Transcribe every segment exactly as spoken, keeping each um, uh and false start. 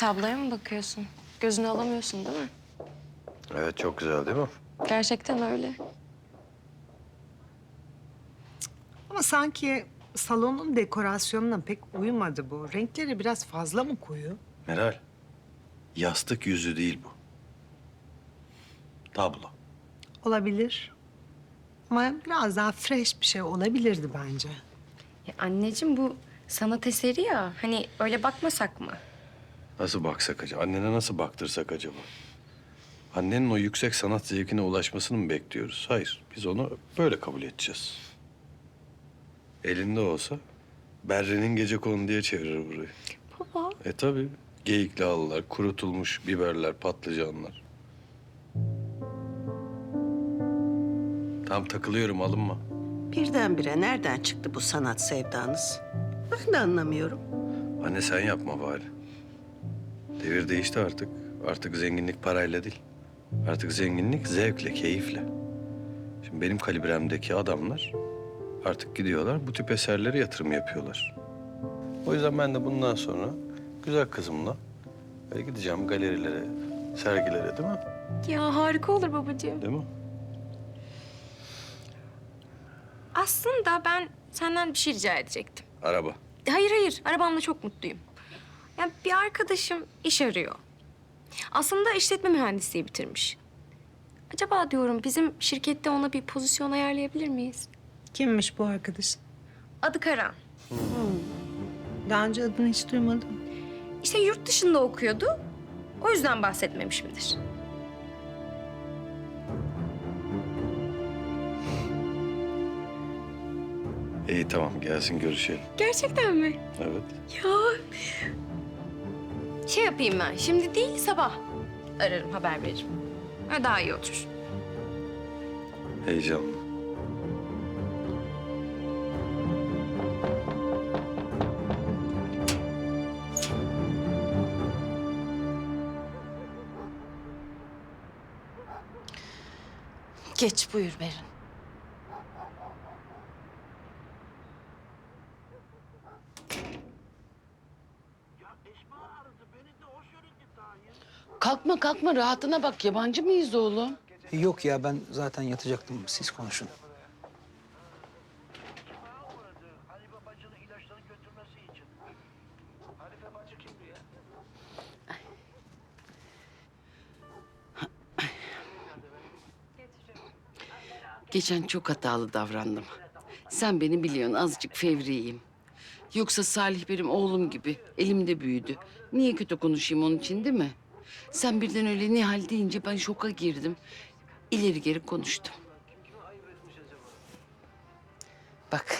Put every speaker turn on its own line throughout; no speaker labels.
Tabloya mı bakıyorsun? Gözünü alamıyorsun değil mi?
Evet, çok güzel değil mi?
Gerçekten öyle.
Ama sanki salonun dekorasyonuna pek uymadı bu. Renkleri biraz fazla mı koyu?
Meral, yastık yüzü değil bu. Tablo.
Olabilir. Ama biraz daha fresh bir şey olabilirdi bence.
Ya anneciğim bu sanat eseri ya. Hani öyle bakmasak mı?
Nasıl baksak acaba? Annene nasıl baktırsak acaba? Annenin o yüksek sanat zevkine ulaşmasını mı bekliyoruz? Hayır, biz onu böyle kabul edeceğiz. Elinde olsa Berre'nin gecekonu diye çevirir burayı.
Baba.
E tabii. Geyikli halılar, kurutulmuş biberler, patlıcanlar. Tam takılıyorum, alınma.
Birdenbire nereden çıktı bu sanat sevdanız? Ben de anlamıyorum.
Anne sen yapma bari. Devir değişti artık. Artık zenginlik parayla değil. Artık zenginlik zevkle, keyifle. Şimdi benim kalibremdeki adamlar artık gidiyorlar bu tip eserlere yatırım yapıyorlar. O yüzden ben de bundan sonra güzel kızımla böyle gideceğim galerilere, sergilere, değil mi?
Ya harika olur babacığım.
Değil mi?
Aslında ben senden bir şey rica edecektim.
Araba.
Hayır hayır, arabamla çok mutluyum. Ya bir arkadaşım iş arıyor. Aslında işletme mühendisliği bitirmiş. Acaba diyorum bizim şirkette ona bir pozisyon ayarlayabilir miyiz?
Kimmiş bu arkadaş?
Adı Karan.
Daha önce adını hiç duymadım.
İşte yurt dışında okuyordu. O yüzden bahsetmemiş midir?
İyi tamam, gelsin görüşelim.
Gerçekten mi?
Evet.
Ya. Şey yapayım ben, şimdi değil sabah ararım, haber veririm. Ha, daha iyi olur.
Heyecanlı.
Geç buyur Berin.
Kalkma kalkma rahatına bak. Yabancı mıyız oğlum?
Yok ya ben zaten yatacaktım. Siz konuşun.
Hanife bacının ilaçlarını götürmesi için. Hanife bacı kimdi ya?
Geçen çok hatalı davrandım. Sen beni biliyorsun, azıcık fevriyim. Yoksa Salih benim oğlum gibi, elimde büyüdü. Niye kötü konuşayım onun için, değil mi? Sen birden öyle Nihal deyince ben şoka girdim. İleri geri konuştum. Bak.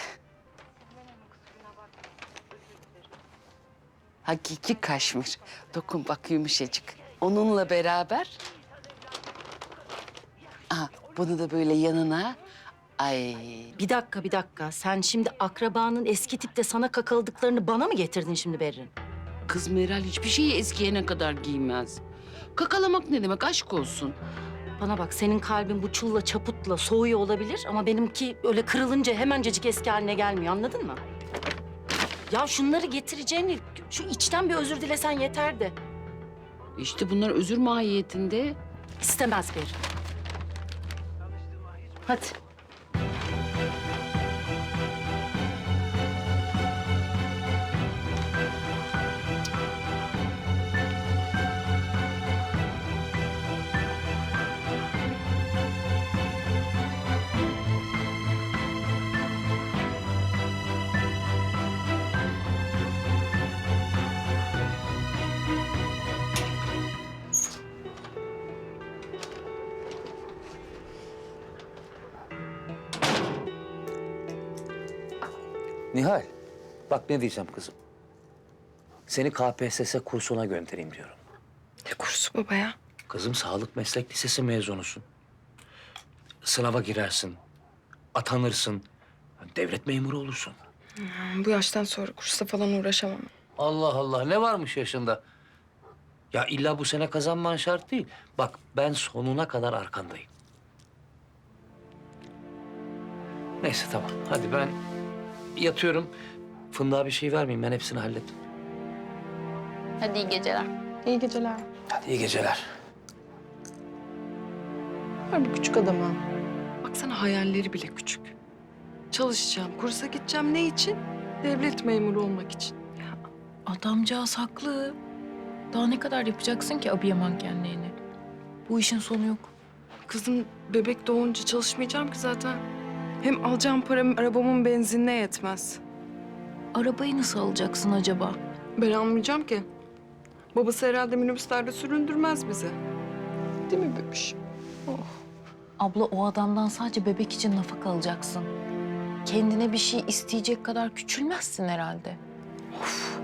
Hakiki kaşmir. Dokun bak, yumuşacık. Onunla beraber... Aha, bunu da böyle yanına... Ay,
Bir dakika, bir dakika. Sen şimdi akrabanın eski tipte sana kakaladıklarını bana mı getirdin şimdi Berrin?
kız Meral hiçbir şeyi eskiyene kadar giymez. Kakalamak ne demek, aşk olsun.
Bana bak, senin kalbin bu çulla çaputla soğuyor olabilir ama benimki öyle kırılınca hemencecik eski haline gelmiyor, anladın mı? Ya şunları getireceğini, şu içten bir özür dilesen yeterdi.
İşte bunlar özür mahiyetinde.
İstemez Berrin. Hadi.
Nihal, bak ne diyeceğim kızım. Seni K P S S kursuna göndereyim diyorum.
Ne kursu baba ya?
Kızım sağlık meslek lisesi mezunusun. Sınava girersin, atanırsın, devlet memuru olursun.
Bu yaştan sonra kursa falan uğraşamam.
Allah Allah, ne varmış yaşında? Ya illa bu sene kazanman şart değil. Bak ben sonuna kadar arkandayım. Neyse tamam, hadi ben yatıyorum. Fındığa bir şey vermeyeyim, ben hepsini hallettim.
Hadi iyi geceler.
İyi geceler.
Hadi iyi geceler.
Var bu küçük adama.
Baksana hayalleri bile küçük. Çalışacağım, kursa gideceğim ne için? Devlet memuru olmak için.
Adamcağız haklı. Daha ne kadar yapacaksın ki abiye mankenliğini? Bu işin sonu yok.
Kızım bebek doğunca çalışmayacağım ki zaten. Hem alacağım param arabamın benzinine yetmez.
Arabayı nasıl alacaksın acaba?
Ben almayacağım ki. Babası herhalde minibüslerde süründürmez bizi. Değil mi bebiş?
Abla o adamdan sadece bebek için nafaka alacaksın. Kendine bir şey isteyecek kadar küçülmezsin herhalde. Of.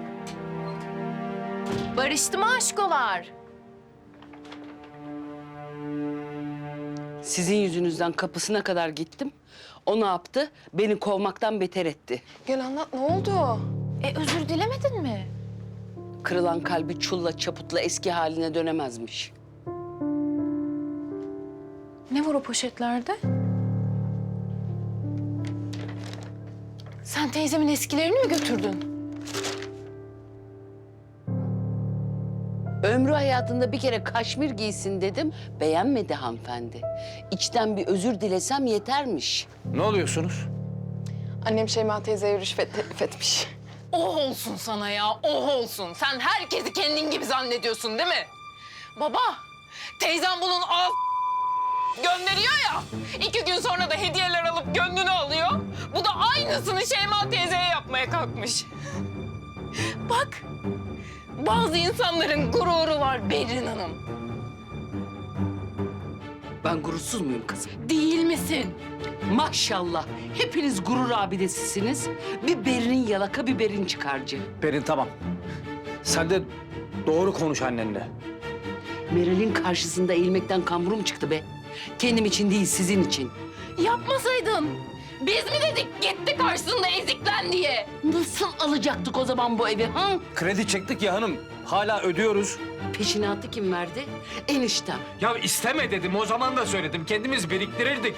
Barıştı mı aşkolar?
Sizin yüzünüzden kapısına kadar gittim. O ne yaptı? Beni kovmaktan beter etti.
Gel anlat ne oldu?
E özür dilemedin mi?
Kırılan kalbi çulla çaputla eski haline dönemezmiş.
Ne var o poşetlerde? Sen teyzemin eskilerini mi götürdün?
Ömrü hayatında bir kere kaşmir giysin dedim. Beğenmedi hanımefendi. İçten bir özür dilesem yetermiş.
Ne oluyorsunuz?
Annem Şeyma teyzeye rüşvet teklif etmiş.
Oh olsun sana ya, oh olsun. Sen herkesi kendin gibi zannediyorsun değil mi? Baba, teyzem bunun ağız gönderiyor ya. İki gün sonra da hediyeler alıp gönlünü alıyor. Bu da aynısını Şeyma teyzeye yapmaya kalkmış. Bak, bazı insanların gururu var Berrin Hanım.
Ben gurursuz muyum kızım?
Değil misin?
Maşallah. Hepiniz gurur abidesisiniz. Bir Berin yalaka, bir Berin çıkarcı.
Berin tamam. Sen de doğru konuş annenle.
Meral'in karşısında eğilmekten kamburum çıktı be. Kendim için değil, sizin için.
Yapmasaydın. Biz mi dedik gitti karşısında eziklen diye?
Nasıl alacaktık o zaman bu evi ha?
Kredi çektik ya hanım. Hala ödüyoruz.
Peşinatı kim verdi? Eniştem.
Ya isteme dedim. O zaman da söyledim. Kendimiz biriktirirdik.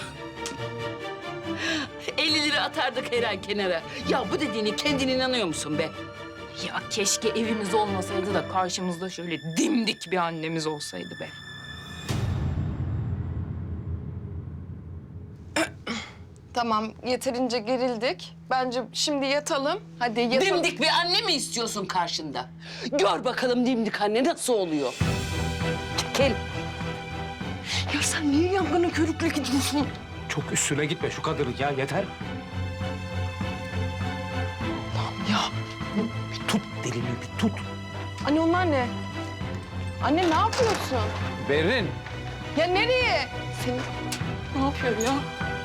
elli lira atardık her ay kenara. Ya bu dediğini kendin inanıyor musun be?
Ya keşke evimiz olmasaydı da karşımızda şöyle dimdik bir annemiz olsaydı be.
Tamam yeterince gerildik. Bence şimdi yatalım. Hadi yatalım.
Dimdik bir anne mi istiyorsun karşında? Gör bakalım dimdik anne nasıl oluyor. Çekil.
Ya sen niye yangına körükle gidiyorsun?
Çok üstüne gitme şu kadının ya. Yeter.
Ya
Bir tut dilini bir tut.
anne onlar ne? Anne ne yapıyorsun?
Berin.
Ya nereye? Senin ne yapıyor ya?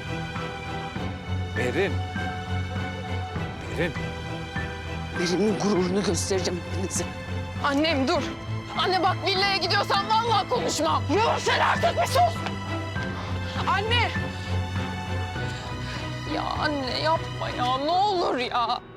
Berin. Berin.
Berin'in gururunu göstereceğim hepinize.
Annem dur. Anne bak villaya gidiyorsan vallahi konuşmam. Ya sen artık bir sus. Anne. Ya anne yapma ya ne olur ya.